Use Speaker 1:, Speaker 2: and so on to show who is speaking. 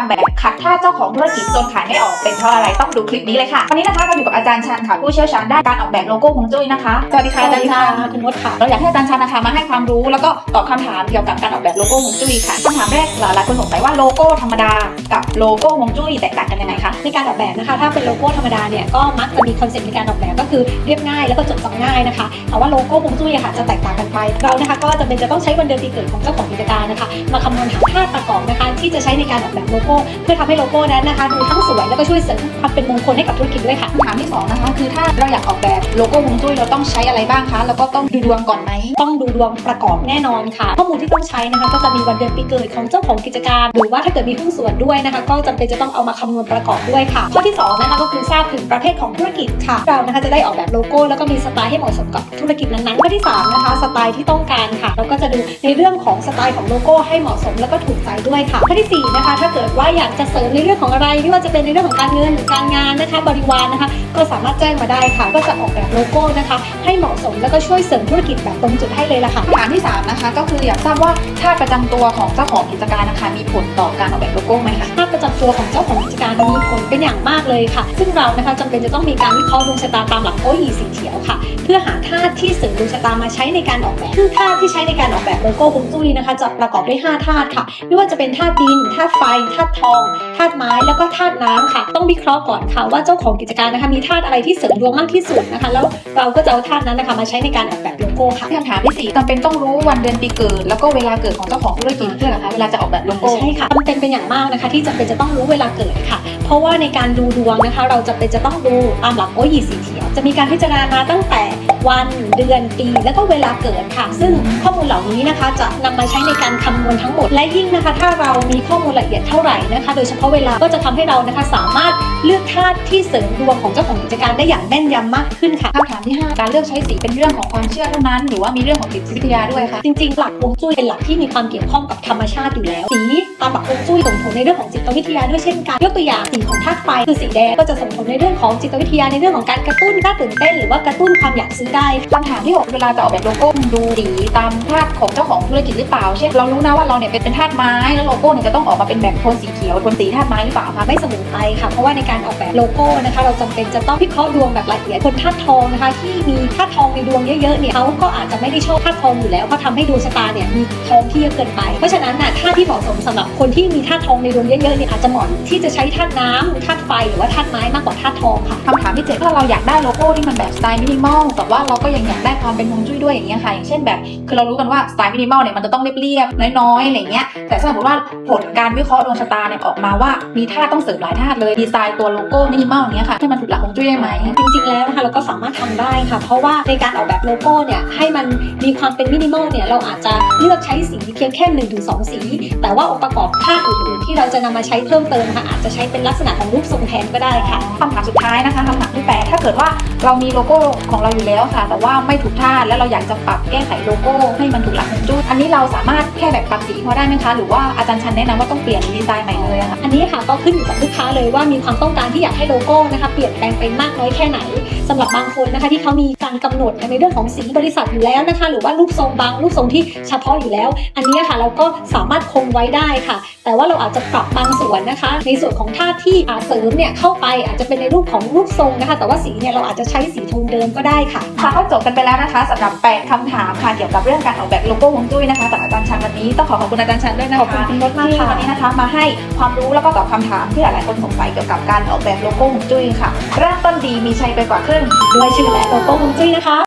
Speaker 1: ำแบบขัดท่าเจ้าของธุรกิจจนขายไม่ออกเป็นเพราะอะไรต้องดูคลิปนี้เลยค่ะวันนี้นะคะเราอยู่กับอาจารย์ชันค่ะผู้เชี่ยวชาญด้านการออกแบบโลโก้ฮวงจุ้ยนะคะสวัสดีค่ะอาจารย์ชัน
Speaker 2: คุณมดค่ะ
Speaker 1: เราอยากให้อาจารย์ชันนะคะมาให้ความรู้แล้วก็ตอบคำถามเกี่ยวกับการออกแบบโลโก้ฮวงจุ้ยค่ะคำถามแรกหลายคนสงสัยว่าโลโก้ธรรมดากับโลโก้ฮวงจุ้ยแตกต่างกันยังไงคะ
Speaker 2: ในการออกแบบนะคะถ้าเป็นโลโก้ธรรมดาเนี่ยก็มักจะมีคอนเซ็ปต์ในการออกแบบก็คือเรียบง่ายแล้วก็จดจำง่ายนะคะแต่ว่าโลโก้ฮวงจุ้ยค่ะจะแตกต่างกันไปเรานะคะก็จะเป็นจะต้องใช้วันเดือนปีเกิดของเจ้าของกิจการนะคะมาคำนวณหาธาตุประกอบนะคะที่จะใช้ในการออกแบบโลโก้เพื่อทำให้โลโก้นั้นนะคะดูทั้งสวยแล้วก็ช่วยเสริมความเป็นมงคลให้กับธุรกิจด้วยค่ะ
Speaker 1: คำถามที่2นะคะคือถ้าเราอยากออกแบบโลโก้ฮวงจุ้ยเราต้องใช้อะไรบ้างคะแล้วก็ต้องดูดวงก่อนไหม
Speaker 2: ต้องดูดวงประกอบแน่นอนค่ะข้อมูลที่ต้องใช้นะคะก็จะมีวันเดือนปีเกิดของเจ้าของกิจการหรือว่าถ้าเกิดมีหุ้นส่วนด้วยนะคะก็จำเป็นจะต้องเอามาคำนวณประกอบด้วยค่ะข้อที่2นะคะก็คือทราบถึงประเภทของธุรกิจค่ะเรานะคะจะได้ออกแบบโลโก้แล้วก็มีสไตล์ให้เหมาะสมกับธุรกิจนั้นๆข้อที่3นะคะสไตล์ที่ต้องการค่ะเราก็จะดูในเรื่องของสไตล์ของโลโก้ให้เหมาะสมแล้วก็ถูกใจด้วยค่ะข้อที่4นะคะถ้าเกิดว่าอยากจะเสริมในเรื่องของอะไรไม่ว่าจะเป็นในเรื่องของการเงินการงานนะคะบริวารนะคะก็สามารถแจ้งมาได้ค่ะก็จะออกแบบโลโก้นะคะให้เหมาะสมแล้วก็ช่วยเสริมธุรกิจแบบตรงจุดให้เลยล่ะค่ะ
Speaker 1: คำถามที่3นะคะก็คืออยากทราบว่าธาตุประจำตัวของเจ้าของกิจการนะคะมีผลต่อการออกแบบโลโก้ไหมคะ
Speaker 2: ธาตุประจำตัวของเจ้าของกิจการมีผลเป็นอย่างมากเลยค่ะซึ่งเรานะคะจำเป็นจะต้องมีการวิเคราะห์ดวงชะตาตามหลักโออีสีเขียวค่ะเพื่อหาธาตุที่เสริมดวงชะตามาใช้ในการออกแบบซึ่งธาตุที่ใช้ในการออกแบบโลโก้ฮวงจุ้ยนะคะจะประกอบด้วย5ธาตุค่ะไม่ว่าจะเป็นธาตุดินธาตุไฟธาตุทองธาตุไม้แล้วก็ธาตุน้ำค่ะต้องวิเคราะห์ก่อนค่ะว่าเจ้าของกิจการนะคะมีธาตุอะไรที่เสริมดวงมากที่สุดนะคะแล้วเราก็จะเอาธาตุนั้นนะคะมาใช้ในการออกแบบโลโก้ค่ะ
Speaker 1: คำถามที่4จำเป็นต้องรู้วันเดือนปีเกิดแล้วก็เวลาเกิดของเจ้าของธุรกิจด้วยเหรอคะเวลาจะออกแบบโลโก้
Speaker 2: ใช่ค่ะจำเป็นอย่างมากนะคะที่จำเป็นจะต้องรู้เวลาเกิดค่ะเพราะว่าในการดูดวงนะคะเราจำเป็นจะต้องดูตามหลักโอยีสีเขียวจะมีการพิจารณาตั้งแต่วันเดือนปีแล้วก็เวลาเกิดค่ะซึ่งข้อมูลเหล่านี้นะคะจะนำมาใช้ในการคำนวณทั้งหมดและยิ่งนะคะถ้าเรามีข้อมูลละเอียดเท่าไหร่นะคะโดยเฉพาะเวลาก็จะทำให้เรานะคะสามารถเลือกธาตุที่เสริมดวงของเจ้าของกิจการได้อย่างแม่นยำมากขึ้นค่ะ
Speaker 1: คำถามที่5การเลือกใช้สีเป็นเรื่องของความเชื่อเท่านั้นหรือว่ามีเรื่องของจิตวิทยาด้วยคะ
Speaker 2: จริงๆหลักฮวงจุ้ยเป็นหลักที่มีความเกี่ยวข้องกับธรรมชาติอยู่แล้วสีตามหลักฮวงจุ้ยส่งผลในเรื่องของจิตวิทยาด้วยเช่นกันยกตัวอย่างสีของธาตุไฟคือสีแดงก็จะส่งผลในเรื่องของจิตวิทยาในเรื่องของการกระตุ้นน่าตื่นเต้นหรือว่ากระตุ้นความอยากซื้อได้
Speaker 1: คำถามที่6เวลาจะออกแบบโลโก้ดูสีตามธาตุของเจ้าของธุรกิจหรือเปล่าเช่นเรารู้นะว่าเราเนี่ยเป็นธาตุไม้แล้วโลโก้เนี่ยจะต้องออกมาเป็นแบบโทนสีเขียวโทนสีธาตุไม้หรือเปล่าคะ
Speaker 2: ไม่เสมอไปค่ะเพราะว่าในการออกแบบโลโก้นะคะเราจำเป็นจะต้องวิเคราะห์ดวงแบบละเอียดคนธาตุทองนะคะที่มีธาตุทองในดวงเยอะๆเนี่ยเขาก็อาจจะไม่ได้ชอบธาตุทองอยู่แล้วเพราะทำให้ดวงชะตาเนี่ยมีทองที่เยอะเกินไปเพราะฉะนั้นธาตุที่เหมาะสมสำหรับคนที่มีธาตุทองในดวงเยอะๆเนี่ยอาจจะเหมาะที่จะใช้ธาตุน้ำธาตุไฟหรือว่าธาตุไม้มากกว่าธาตุทองค่ะ
Speaker 1: คำถามที่7ถ้าเราอยากได้โลโก้ที่มันแบบสไตล์มินิมอลแต่ว่าเราก็ยังอยากได้ความเป็นฮวงจุ้ยด้วยอย่างเงี้ยค่ะอย่างเช่นแบบคือเรารู้กันว่าสไตล์มินิมอลเนี่ยมันจะต้องเรียบๆน้อยๆอะไรเงี้ยแต่สมมติว่าผลการวิเคราะห์ดวงชะตาเนี่ยออกมาว่ามีธาตุต้องเสริมหลายธาตุเลยดีไซน์ตัวโลโก้มินิมอลอย่างเงี้ยค่ะให้มันถูกหลักฮวงจุ้ยได้ไหม
Speaker 2: จริงๆแล้วนะคะเราก็สามารถทำได้ค่ะเพราะว่าในการออกแบบโลโก้เนี่ยให้มันมีความเป็นมินิมอลเนี่ยเราอาจจะเลือกใช้สีเพียงแค่ 1-2 สีแต่ว่าองค์ประกอบธาตุอื่นๆที่เราจะนำมาใช้เพิ่มเติมนะคะอาจจะใช้เป็นลักษณะของรูปทรงแทนก็ได้ค่ะ
Speaker 1: คำถามสุดท้ายนะคะคำถามที่8ถ้าเกิดว่าเรามีโลโก้ของเราอยู่แล้วค่ะแต่ว่าไม่ถูกธาตุแล้วเราอยากจะปรับแก้ไขโลโก้ให้มันถูกหลักฮวงจุ้ยอันนี้เราสามารถแค่แบบปรับสีพอได้ไหมคะหรือว่าอาจารย์ชันแนะนำว่าต้องเปลี่ยนดีไซน์ใหม่เลยค่ะ
Speaker 2: อันนี้ค่ะก็ขึ้นอยู่กับลูกค้าเลยว่ามีความต้องการที่อยากให้โลโก้นะคะเปลี่ยนแปลงไปมากน้อยแค่ไหนสำหรับบางคนนะคะที่เขามีการกำหนดในเรื่องของสีบริษัทอยู่แล้วนะคะหรือว่ารูปทรงบางรูปทรงที่เฉพาะอยู่แล้วอันนี้ค่ะเราก็สามารถคงไว้ได้ค่ะแต่ว่าเราอาจจะปรับบางส่วนนะคะในส่วนของธาตุที่เสริมเนี่ยเข้าไปอาจจะเป็นในรูปของรูปทรงนะคะแต่ว่าสีเนี่ยเราอาจจะใช้สีโทนเดิมก็ได้ค่ะ
Speaker 1: ก็จบกันไปแล้วนะคะสำหรับ8คำถามค่ะเกี่ยวกับเรื่องการออกแบบโลโก้ฮวงจุ้ยนะคะจากอาจารย์ชันวันนี้ต้องขอบคุณอาจารย์ชันด้วยนะคะ
Speaker 2: ขอบคุณคุณมดมากค่ะ
Speaker 1: วันนี้นะคะมาให้ความรู้แล้วก็ตอบคำถามที่หลายๆคนสงสัยเกี่ยวกับการออกแบบโลโก้ฮวงจุ้ยค่ะเริ่มต้นดีมีชัยไปกว่าครึ่ง
Speaker 2: ด้วยชื่อและโลโก้ฮวงจุ้ยนะคะ